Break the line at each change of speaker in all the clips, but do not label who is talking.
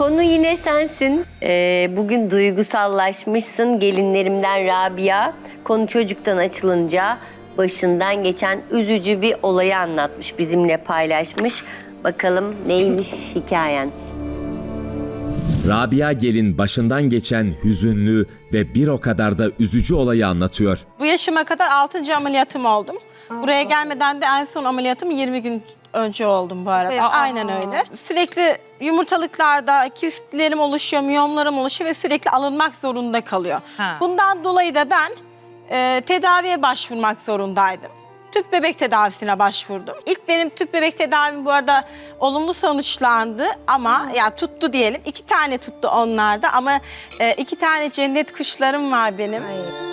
Konu yine sensin. Bugün duygusallaşmışsın gelinlerimden Rabia. Konu çocuktan açılınca başından geçen üzücü bir olayı anlatmış, bizimle paylaşmış. Bakalım neymiş hikayen?
Rabia gelin başından geçen hüzünlü ve bir o kadar da üzücü olayı anlatıyor.
Bu yaşıma kadar 6. ameliyatım oldum. Buraya gelmeden de en son ameliyatım 20 gün önce oldum bu arada. Aynen öyle. Sürekli yumurtalıklarda kistlerim oluşuyor, miyomlarım oluşuyor ve sürekli alınmak zorunda kalıyor. Bundan dolayı da ben tedaviye başvurmak zorundaydım. Tüp bebek tedavisine başvurdum. İlk benim tüp bebek tedavim bu arada olumlu sonuçlandı ama ya tuttu diyelim. 2 tane tuttu onlarda ama 2 tane cennet kuşlarım var benim.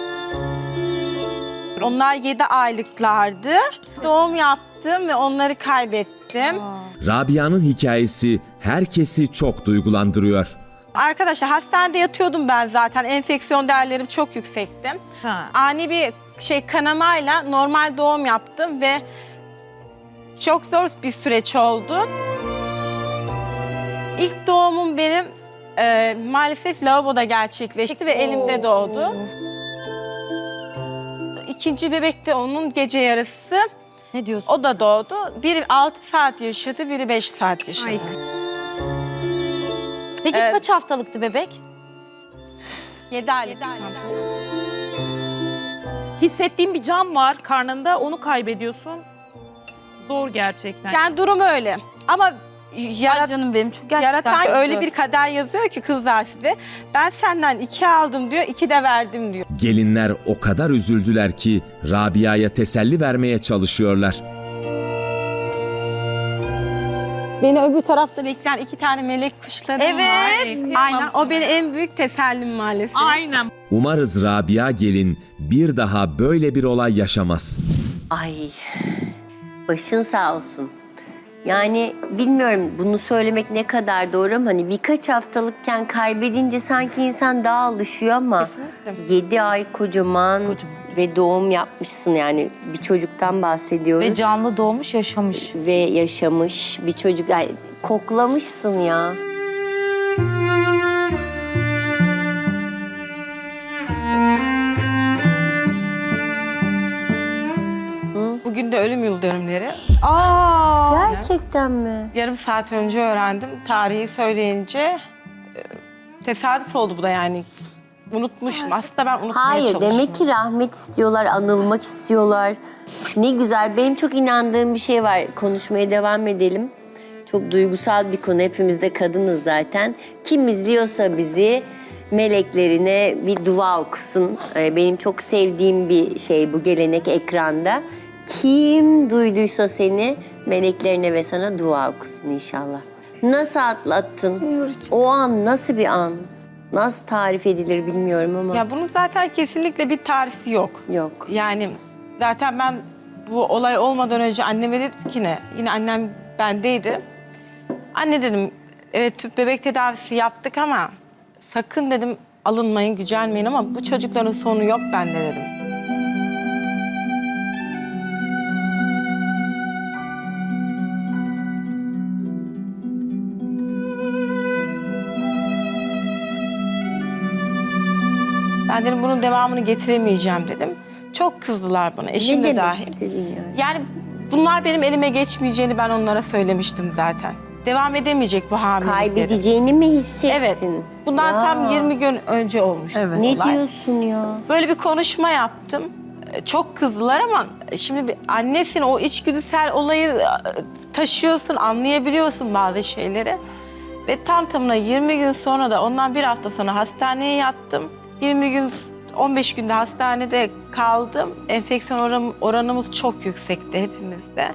Onlar 7 aylıklardı. Doğum yaptım ve onları kaybettim.
Rabia'nın hikayesi herkesi çok duygulandırıyor.
Arkadaşlar hastanede yatıyordum ben zaten. Enfeksiyon değerlerim çok yüksekti. Ani bir kanamayla normal doğum yaptım ve çok zor bir süreç oldu. İlk doğumum benim maalesef lavaboda gerçekleşti ve elimde doğdu. İkinci bebek de onun gece yarısı.
Ne diyorsun?
O da doğdu. Biri 6 saat yaşadı, biri 5 saat yaşadı.
Ay. Peki kaç haftalıktı bebek?
7 aylık.
Hissettiğin bir can var karnında, onu kaybediyorsun. Zor gerçekten.
Yani durum öyle. Ama
Ay canım benim çok gerçekten
yaratan
zor.
öyle bir kader yazıyor ki kızlar size. Ben senden 2 aldım diyor, 2 de verdim diyor.
Gelinler o kadar üzüldüler ki Rabia'ya teselli vermeye çalışıyorlar.
Beni öbür tarafta bekleyen 2 tane melek kuşlarım var.
Evet.
Aynen. O benim en büyük tesellim maalesef.
Aynen.
Umarız Rabia gelin bir daha böyle bir olay yaşamaz.
Ay, başın sağ olsun. Yani bilmiyorum bunu söylemek ne kadar doğru ama hani birkaç haftalıkken kaybedince sanki insan daha alışıyor ama
Kesinlikle.
7 ay kocaman ve doğum yapmışsın, yani bir çocuktan bahsediyoruz.
Ve canlı doğmuş yaşamış.
Ve yaşamış bir çocuk, yani koklamışsın ya.
Bugün de ölüm yıl dönümleri.
Aa.
Gerçekten mi?
Yarım saat önce öğrendim. Tarihi söyleyince tesadüf oldu bu da yani. Unutmuşum. Aslında ben unutmaya
Hayır,
çalışıyorum.
demek ki rahmet istiyorlar, anılmak istiyorlar. Ne güzel. Benim çok inandığım bir şey var. Konuşmaya devam edelim. Çok duygusal bir konu. Hepimiz de kadınız zaten. Kim izliyorsa bizi meleklerine bir dua okusun. Benim çok sevdiğim bir şey bu gelenek ekranda. Kim duyduysa seni meleklerine ve sana dua okusun inşallah. Nasıl atlattın? O an nasıl bir an? Nasıl tarif edilir bilmiyorum ama.
Ya bunun zaten kesinlikle bir tarifi yok.
Yok.
Yani zaten ben bu olay olmadan önce anneme dedim ki ne? Yine annem bendeydi. Anne dedim, evet tüp bebek tedavisi yaptık ama sakın dedim alınmayın, gücenmeyin ama bu çocukların sonu yok bende dedim. Ben dedim bunun devamını getiremeyeceğim dedim. Çok kızdılar bana, eşim
Ne
de
demek
dahil.
istedin yani?
Yani bunlar benim elime geçmeyeceğini ben onlara söylemiştim zaten. Devam edemeyecek bu hamilelik dedim.
Kaybedeceğini mi hissettin?
Evet. Bundan
Ya.
tam 20 gün önce olmuştu bu
Ne
olay.
diyorsun ya?
Böyle bir konuşma yaptım. Çok kızdılar ama şimdi bir annesin, o içgüdüsel olayı taşıyorsun, anlayabiliyorsun bazı şeyleri. Ve tam tamına 20 gün sonra da ondan bir hafta sonra hastaneye yattım. 20 gün, 15 günde hastanede kaldım. Enfeksiyon oranımız çok yüksekti hepimizde.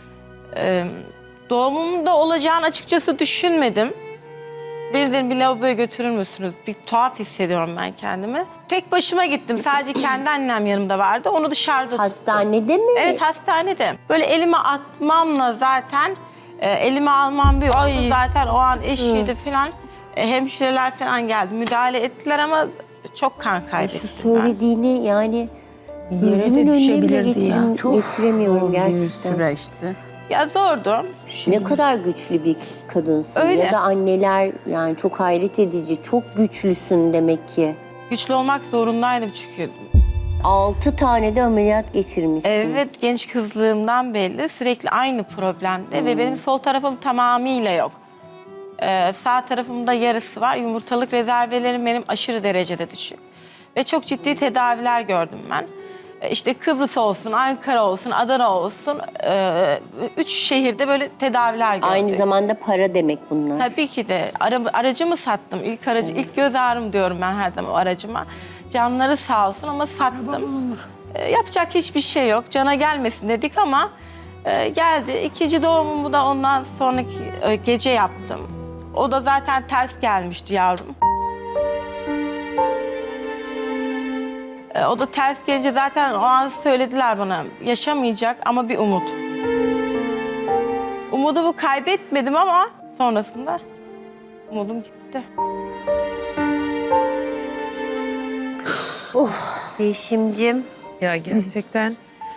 Doğumumda olacağını açıkçası düşünmedim. Beni dedim bir lavaboya götürür müsünüz? Bir tuhaf hissediyorum ben kendimi. Tek başıma gittim. Sadece kendi annem yanımda vardı. Onu dışarıda tuttum.
Hastanede mi?
Evet, hastanede. Böyle elime atmamla zaten elime almam bir oldu.
Ay.
Zaten o an eşiydi falan. Hemşireler falan geldi. Müdahale ettiler ama çok kan
Şu
kaybettim ben.
söylediğini yani
Yere
gözümün
de
önüne bile
düşebilirdi ya. Çok
getiremiyorum
zor
gerçekten.
bir süreçti.
Ya zordu.
Ne kadar güçlü bir kadınsın.
Öyle.
Ya da anneler yani çok hayret edici. Çok güçlüsün demek ki.
Güçlü olmak zorundaydım çünkü.
6 tane de ameliyat geçirmişsin.
Evet, genç kızlığımdan belli sürekli aynı problemde ve benim sol tarafım tamamıyla yok. Sağ tarafımda yarısı var. Yumurtalık rezervelerim benim aşırı derecede düşük. Ve çok ciddi tedaviler gördüm ben. İşte Kıbrıs olsun, Ankara olsun, Adana olsun. 3 şehirde böyle tedaviler gördüm.
Aynı zamanda para demek bunlar.
Tabii ki de. Aracımı sattım. İlk göz ağrım diyorum ben her zaman o aracıma. Canları sağ olsun ama sattım. Yapacak hiçbir şey yok. Cana gelmesin dedik ama geldi. İkinci doğumumu da ondan sonraki gece yaptım. O da zaten ters gelmişti yavrum. O da ters gelince zaten o an söylediler bana yaşamayacak ama bir umut. Umudumu kaybetmedim ama sonrasında umudum gitti.
Yeşim'cim.
Ya gerçekten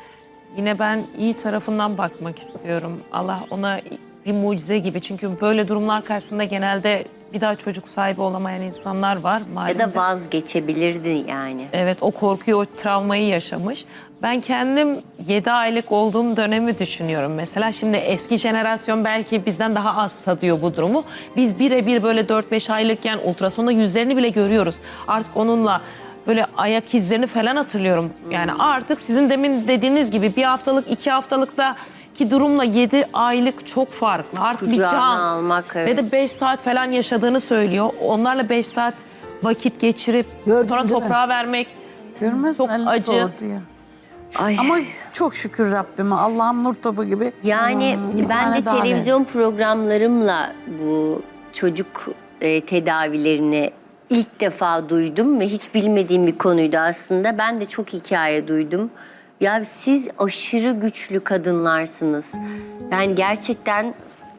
yine ben iyi tarafından bakmak istiyorum. Allah ona bir mucize gibi. Çünkü böyle durumlar karşısında genelde bir daha çocuk sahibi olamayan insanlar var
Ya
maalesef.
da vazgeçebilirdin yani.
Evet, o korkuyu, o travmayı yaşamış. Ben kendim 7 aylık olduğum dönemi düşünüyorum. Mesela şimdi eski jenerasyon belki bizden daha az tadıyor bu durumu. Biz birebir böyle 4-5 aylıkken ultrasonda yüzlerini bile görüyoruz. Artık onunla böyle ayak izlerini falan hatırlıyorum. Yani artık sizin demin dediğiniz gibi 1 haftalık, 2 haftalıkta ki durumla 7 aylık çok farklı. Artık bir
Kucağına
can.
almak, evet.
Ve de 5 saat falan yaşadığını söylüyor. Onlarla 5 saat vakit geçirip
Gördün
sonra
değil mi?
toprağa vermek
Görmez
çok
mi?
acı.
Doğdu ya.
Ay.
Ama çok şükür Rabbime. Allah'ım nur topu gibi.
Yani
Bir
ben
tane
de
daha
televizyon programlarımla bu çocuk tedavilerini ilk defa duydum ve hiç bilmediğim bir konuydu aslında. Ben de çok hikaye duydum. Ya siz aşırı güçlü kadınlarsınız. Yani gerçekten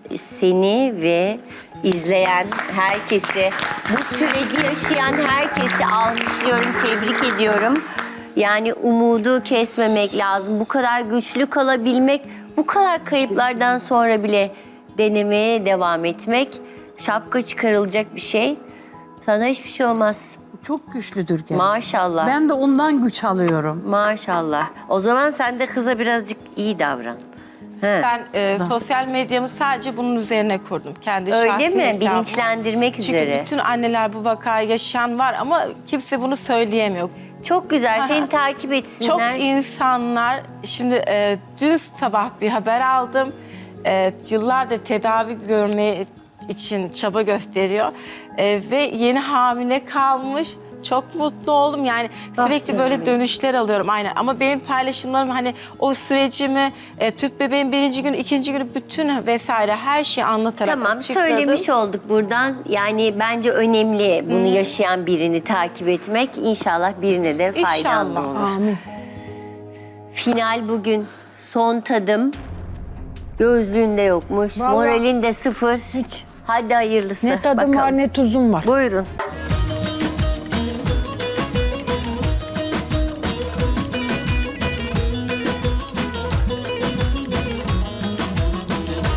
seni ve izleyen herkesi, bu süreci yaşayan herkesi alkışlıyorum, tebrik ediyorum. Yani umudu kesmemek lazım. Bu kadar güçlü kalabilmek, bu kadar kayıplardan sonra bile denemeye devam etmek şapka çıkarılacak bir şey. Sana hiçbir şey olmaz.
Çok güçlüdür gene.
Maşallah.
Ben de ondan güç alıyorum.
Maşallah. O zaman sen de kıza birazcık iyi davran. He.
Ben sosyal medyamı sadece bunun üzerine kurdum. Kendi
Öyle
şahsi
mi?
hesabım.
Bilinçlendirmek
Çünkü
üzere.
bütün anneler bu vakayı yaşayan var ama kimse bunu söyleyemiyor.
Çok güzel.
Aha.
Seni takip
Çok
etsinler.
insanlar, şimdi dün sabah bir haber aldım. Yıllardır tedavi görmeye için çaba gösteriyor. Ve yeni hamile kalmış. Çok mutlu oldum. Yani sürekli böyle dönüşler alıyorum aynen. Ama benim paylaşımlarım hani o sürecimi, tüp bebeğin 1. günü, 2. günü bütün vesaire her şeyi anlatarak
Tamam,
açıkladım.
söylemiş olduk buradan. Yani bence önemli bunu yaşayan birini takip etmek. İnşallah birine de faydalı
İnşallah.
olur. Final bugün. Son tadım. Gözlüğünde yokmuş.
Vallahi-
Moralin de sıfır.
Hiç.
Hadi hayırlısı.
Ne tadım
Bakalım.
var ne tuzum var.
Buyurun.